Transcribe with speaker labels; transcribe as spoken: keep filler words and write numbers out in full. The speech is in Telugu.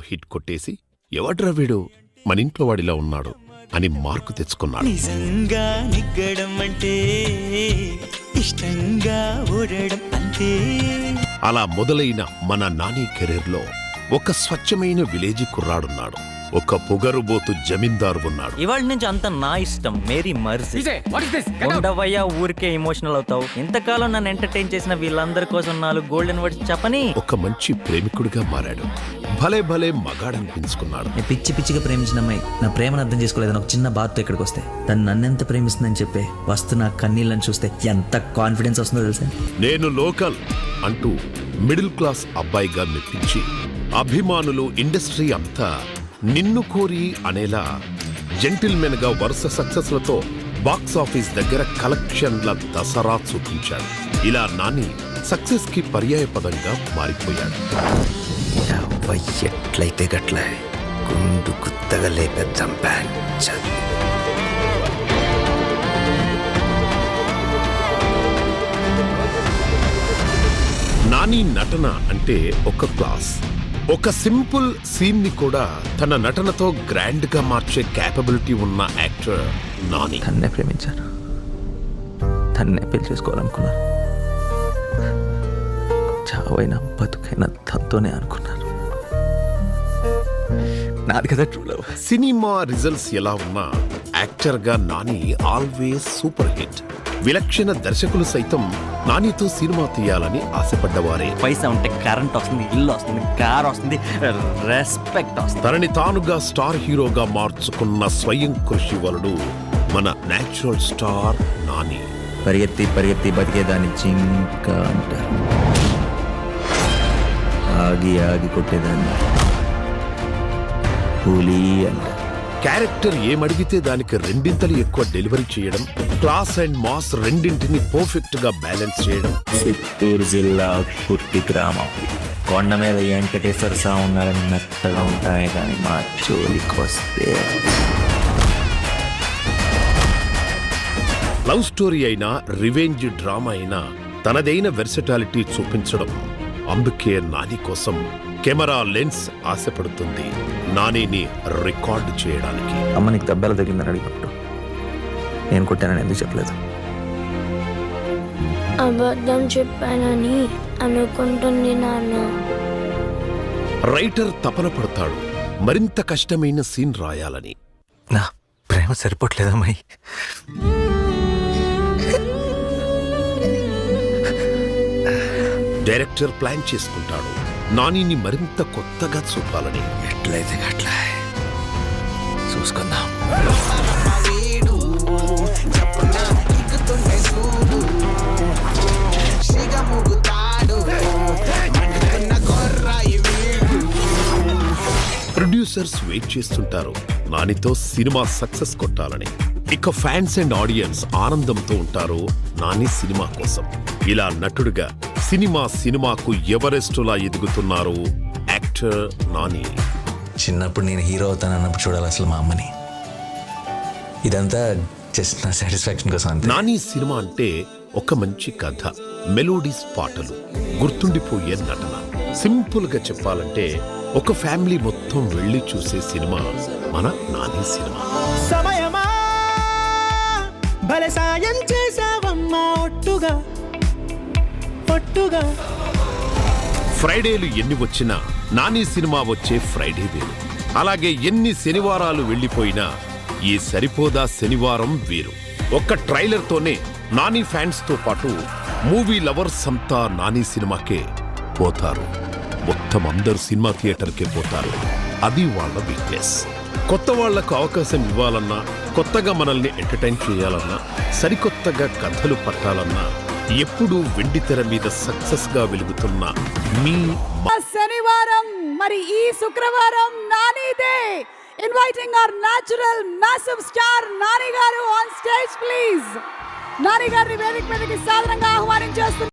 Speaker 1: హిట్ కొట్టేసి ఎవడ్రా వీడు మన ఇంట్లో వాడిలా ఉన్నాడు అని మార్కు తెచ్చుకున్నాడు.
Speaker 2: నిజంగా నిగ్గడం అంటే ఇష్టంగా ఓడడం అంతే.
Speaker 1: అలా మొదలైన మన నాని కెరీర్లో ఒక స్వచ్ఛమైన విలేజీ కుర్రాడున్నాడు. ఒక పొగరుబోతు జమీందారు ఉన్నాడు.
Speaker 3: ఇవాళ నుంచి అంత నా ఇష్టం. మేరీ మర్సీ. ఉండవయ్యా ఊరికే ఎమోషనల్ అవుతావు. ఇంతకాలం నన్ను ఎంటర్టైన్ చేసిన వీళ్ళందరి కోసం నాలుగు గోల్డెన్ వర్డ్స్ చెప్పని.
Speaker 1: ఒక మంచి ప్రేమికుడిగా మారాడు. భలే భలే మగాడనిపించుకున్నాడు.
Speaker 4: నేను పిచ్చి పిచ్చిగా ప్రేమించిన అమ్మాయి నా ప్రేమను అర్థం చేసుకోలేదని ఒక చిన్న బాధతో ఇక్కడికి వస్తే తను నన్నెంత ప్రేమిస్తుందని చెప్పే వస్తున్న కన్నీళ్ళని చూస్తే ఎంత కాన్ఫిడెన్స్ వస్తుందో తెలుసా.
Speaker 1: నేను లోకల్ అంటూ మిడిల్ క్లాస్ అబ్బాయిగా మెప్పించి అభిమానులు ఇండస్ట్రీ అంతా నిన్ను కోరి అనేలా జెంటిల్మెన్ గా వరుస సక్సెస్లతో బాక్స్ ఆఫీస్ దగ్గర కలెక్షన్ల దసరా చూపించాడు. ఇలా నాని సక్సెస్ కి పర్యాయ పదంగా మారిపోయాడు.
Speaker 5: ఎట్లయితే గట్ల గుండు గుత్తగా లేపేద్దాం.
Speaker 1: నాని నటన అంటే ఒక క్లాస్. ఒక సింపుల్ సీన్ ని కూడా తన నటనతో గ్రాండ్ గా మార్చే క్యాపబిలిటీ ఉన్న యాక్టర్ నాని.
Speaker 4: తన్నే ప్రేమించాను, తన్నే పెళ్లి చేసుకోవాలనుకున్నాను. చావైనా బతుకైనా తనతోనే అనుకున్నాను. నాది కదా ట్రూ లవ్.
Speaker 1: సినిమా రిజల్ట్స్ ఎలా ఉన్నా యాక్టర్ గా నాని ఆల్వేస్ సూపర్ హిట్. విలక్షణ దర్శకులు సైతం నానితో సినిమా తీయాలని ఆశపడ్డవారే.
Speaker 3: పైసా ఉంటే కరెంట్ వస్తుంది, ఇల్లు వస్తుంది, కార్ వస్తుంది, రెస్పెక్ట్ వస్తుంది.
Speaker 1: తనని తానుగా స్టార్ హీరోగా మార్చుకున్న స్వయం కృషి వలుడు మన నేచురల్ స్టార్ నాని.
Speaker 4: పరిగెత్తి పరిగెత్తి బతికేదాన్ని జింక అంటారు, ఆగి ఆగి కొట్టేదాన్ని పులి అంటారు.
Speaker 1: క్యారెక్టర్ ఏమడిగితే దానికి రెండింతలు ఎక్కువ డెలివరీ చేయడం, క్లాస్ అండ్ మాస్ రెండింటిని పర్ఫెక్ట్ గా బ్యాలెన్స్ చేయడం.
Speaker 4: చిత్తూరు జిల్లా కుర్తి గ్రామం కొండ మీద వెంకటేశ్వర స్వామి ఉన్నారని మెత్తగా ఉంటాయి, కానీ మా జోలికి వస్తే
Speaker 1: లవ్ స్టోరీ అయినా రివెంజ్ డ్రామా అయినా తనదైన వెర్సటాలిటీ చూపించడం. అందుకే నాని కోసం కెమెరా లెన్స్ ఆశపడుతుంది నానిని రికార్డు చేయడానికి.
Speaker 4: అమ్మ నీకు దెబ్బలు తగిలిందని అడిగినప్పుడు నేను కొట్టానని ఎందుకు చెప్పలేదు?
Speaker 6: అబద్ధం చెప్పానని అనుకుంటుంది నాన్న.
Speaker 1: రైటర్ తపన పడతాడు మరింత కష్టమైన సీన్ రాయాలని.
Speaker 4: నా ప్రేమ సరిపోట్లేదమ్మాయి.
Speaker 1: డైరెక్టర్ ప్లాన్ చేసుకుంటాడు నానిని మరింత కొత్తగా చూపాలని.
Speaker 5: ఎట్లయితే గట్ల చూసుకుందాం.
Speaker 1: ప్రొడ్యూసర్స్ వెయిట్ చేస్తుంటారు నానితో సినిమా సక్సెస్ కొట్టాలని. ఇక ఫ్యాన్స్ అండ్ ఆడియన్స్ ఆనందంతో ఉంటారు నాని సినిమా కోసం. ఇలా నటుడుగా సినిమా సినిమాకు ఎవరెస్టులా ఎదుగుతున్నారు యాక్టర్ నాని.
Speaker 5: చిన్నప్పుడు నేను హీరో అవుతానన్నప్పుడు చూడాలి అసలు మా అమ్మని. ఇదంతా జస్ట్ నా సాటిస్ఫాక్షన్ కోసం అంతే.
Speaker 1: నాని సినిమా అంటే ఒక మంచి కథ, మెలోడీస్, పాటలు, గుర్తుండిపోయే నటన. సింపుల్ గా చెప్పాలంటే ఒక ఫ్యామిలీ మొత్తం వెళ్ళి చూసే సినిమా మన నాని సినిమా.
Speaker 2: సమయమా భలే సాయం చేసావమ్మా ఒట్టుగా ఒట్టుగా.
Speaker 1: ఫ్రైడేలు ఎన్ని వచ్చినా నాని సినిమా వచ్చే ఫ్రైడే వేరు. అలాగే ఎన్ని శనివారాలు వెళ్ళిపోయినా ఈ సరిపోదా శనివారం వేరు. ఒక్క ట్రైలర్తోనే నాని ఫ్యాన్స్ తో పాటు మూవీ లవర్స్ అంతా నాని సినిమాకే పోతారు. మొత్తం అందరు సినిమా థియేటర్కే పోతారు. అది వాళ్ళ వీక్నెస్. కొత్త వాళ్లకు అవకాశం ఇవ్వాలన్నా, కొత్తగా మనల్ని ఎంటర్టైన్ చేయాలన్నా, సరికొత్తగా కథలు పట్టాలన్నా ఎప్పుడూ వెండి తెర మీద సక్సెస్ గా వెలుగుతున్న మీ
Speaker 7: శనివారం మరి ఈ శుక్రవారం నానిదే. Inviting our natural massive star Nani garu on stage please. Nani గారిని వేదిక మీదకి సాధారణంగా ఆహ్వానించేస్తున్నారు.